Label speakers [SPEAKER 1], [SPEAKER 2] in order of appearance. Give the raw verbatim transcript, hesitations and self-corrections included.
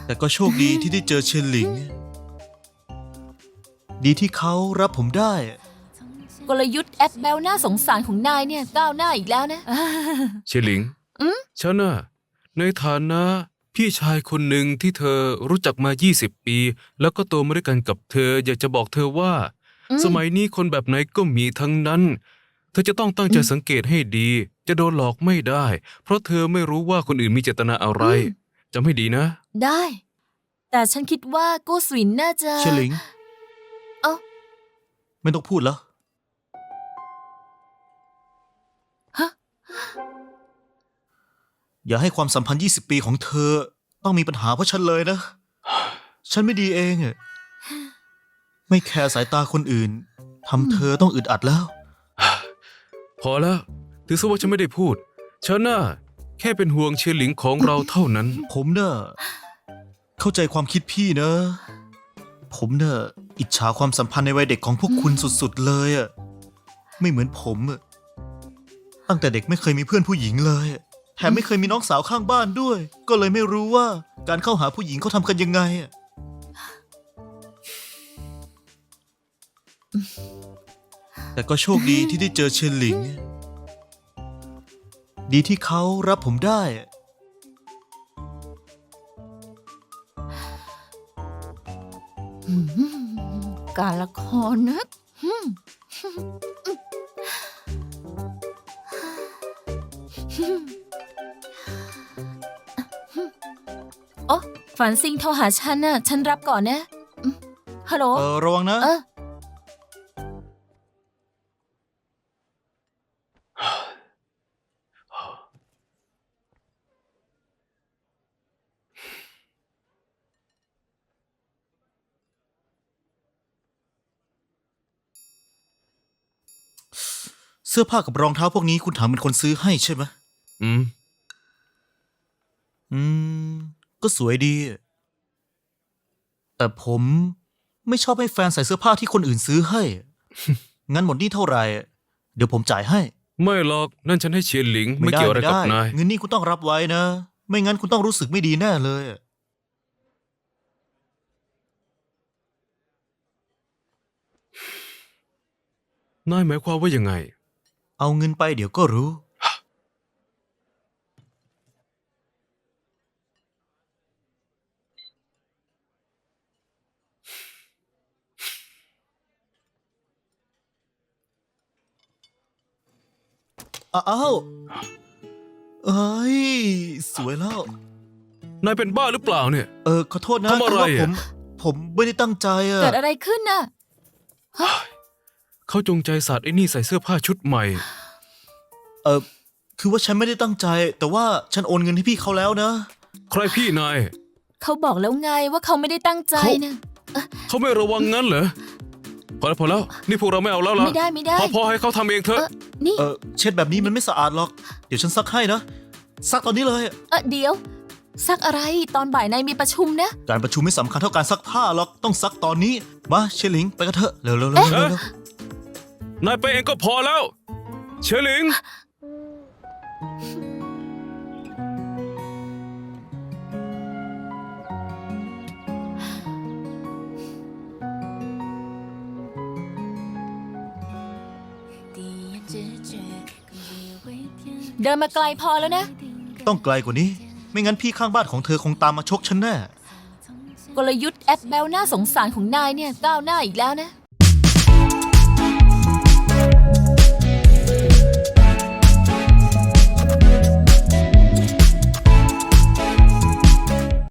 [SPEAKER 1] แต่ก็โชคดีที่ได้เจอเชียนหลิง ดีที่เขารับผมได้
[SPEAKER 2] กลยุทธ์แอปแบลน่าสงสารของนายเนี่ยก้าวหน้าอีกแล้วนะ
[SPEAKER 3] เชยหลิงฉันน่ะในฐานะพี่ชายคนหนึ่งที่เธอรู้จักมายี่สิบปี แล้วก็โตมาด้วยกันกับเธอ อยากจะบอกเธอว่า
[SPEAKER 2] อืม
[SPEAKER 3] สมัยนี้คนแบบไหนก็มีทั้งนั้น เธอจะต้องตั้งใจสังเกตให้ดี จะโดนหลอกไม่ได้ เพราะเธอไม่รู้ว่าคนอื่นมีเจตนาอะไรจำให้ดีนะ
[SPEAKER 2] ได้ แต่ฉันคิดว่ากู้สวินน่าจะ
[SPEAKER 1] เชียนหลิง
[SPEAKER 2] เอ้า
[SPEAKER 1] ไม่ต้องพูดแล้ว
[SPEAKER 2] ฮะ
[SPEAKER 1] อย่าให้ความสัมพันธ์ยี่สิบปีของเธอ ต้องมีปัญหาเพราะฉันเลยนะ ฉันไม่ดีเองอะไม่แคร์สายตาคนอื่นทำเธอต้องอึดอัดแล้ว
[SPEAKER 3] พอแล้วถือซะว่าฉันไม่ได้พูด ฉันน่ะแค่เป็นห่วงเชยหลิงของเราเท่านั้น
[SPEAKER 1] ผมเน่ะเข้าใจความคิดพี่นะ ผมเน่ะอิจฉาความสัมพันธ์ในวัยเด็กของพวกคุณสุดๆเลยอะไม่เหมือนผมอะตั้งแต่เด็กไม่เคยมีเพื่อนผู้หญิงเลยแถมไม่เคยมีน้องสาวข้างบ้านด้วย ก็เลยไม่รู้ว่าการเข้าหาผู้หญิงเขาทำกันยังไงอะแต่ก็โชคดีที่ได้เจอเชียนหลิง ดีที่เขารับผมได้
[SPEAKER 2] การละครนะอืมโอ้ฝันซิงโทรหาฉันน่ะ ฉันรับก่อนนะอืมฮัลโหล
[SPEAKER 1] เออระวังนะ
[SPEAKER 2] เออ
[SPEAKER 1] เสื้อผ้ากับรองเท้าพวกนี้คุณถังเป็นคนซื้อให้ใช่ไหม
[SPEAKER 3] อืม
[SPEAKER 1] อืม ก็สวยดี แต่ผมไม่ชอบให้แฟนใส่เสื้อผ้าที่คนอื่นซื้อให้ งั้นหมดหนี้เท่าไหร่ เดี๋ยวผมจ่ายให้
[SPEAKER 3] ไม่หรอกนั่นฉันให้เชยหลิงไม่เกี่ยวอะไรกับนาย
[SPEAKER 1] เงินนี่คุณต้องรับไว้นะ ไม่งั้นคุณต้องรู้สึกไม่ดีแน่เลย
[SPEAKER 3] นายหมายความว่ายังไง
[SPEAKER 1] เอาเงินไปเดี๋ยวก็รู้ อ้าวเอ้ย สวยแล้ว
[SPEAKER 3] นายเป็นบ้าหรือเปล่าเนี่ย
[SPEAKER 1] เออ ขอโทษนะ
[SPEAKER 3] ทำอะไร
[SPEAKER 1] คือว่าผ
[SPEAKER 3] อะ
[SPEAKER 1] ม ผมไม่ได้ตั้งใจอะ
[SPEAKER 2] เกิดอะไรขึ้นน่ะ
[SPEAKER 3] เขาจงใจสาดไอ้นี่ใส่เสื้อผ้าชุดใหม่
[SPEAKER 1] เออคือว่าฉันไม่ได้ตั้งใจ แต่ว่าฉันโอนเงินให้พี่เขาแล้วนะ
[SPEAKER 3] ใครพี่นาย
[SPEAKER 2] เขาบอกแล้วไงว่าเขาไม่ได้ตั้งใจ
[SPEAKER 3] เขา
[SPEAKER 2] นะ
[SPEAKER 3] เขาไม่ระวังงั้นเหรอ พอแล้วพอแล้ว นี่พวกเราไม่เอาแล้วล่ะ
[SPEAKER 2] ไม่ได้ไม่ได้
[SPEAKER 3] พอพอให้เขาทำเองเถ
[SPEAKER 2] เอ
[SPEAKER 3] อะ
[SPEAKER 2] อนี่
[SPEAKER 1] เออเช็ดแบบนี้มันไม่สะอาดหรอก เดี๋ยวฉันซักให้นะ ซักตอนนี้เลย
[SPEAKER 2] เออเดี๋ยว ซักอะไรตอนบ่ายนายมีประชุมนะ
[SPEAKER 1] การประชุมไม่สำคัญเท่าการซักผ้าหรอก ต้องซักตอนนี้ มาเชยหลิงไปกันเถอะ เร็วๆเร็วๆเร็วๆเร็ว
[SPEAKER 3] นายไปเองก็พอแล้ว เชยหลิง
[SPEAKER 2] เดินมาไกลพอแล้วนะ
[SPEAKER 1] ๆต้องไกลกว่านี้ ไม่งั้นพี่ข้างบ้านของเธอคงตามมาชกฉันแน่
[SPEAKER 2] กลยุทธ์แอปแบลน่าสงสารของนายเนี่ยก้าวหน้าอีกแล้วนะ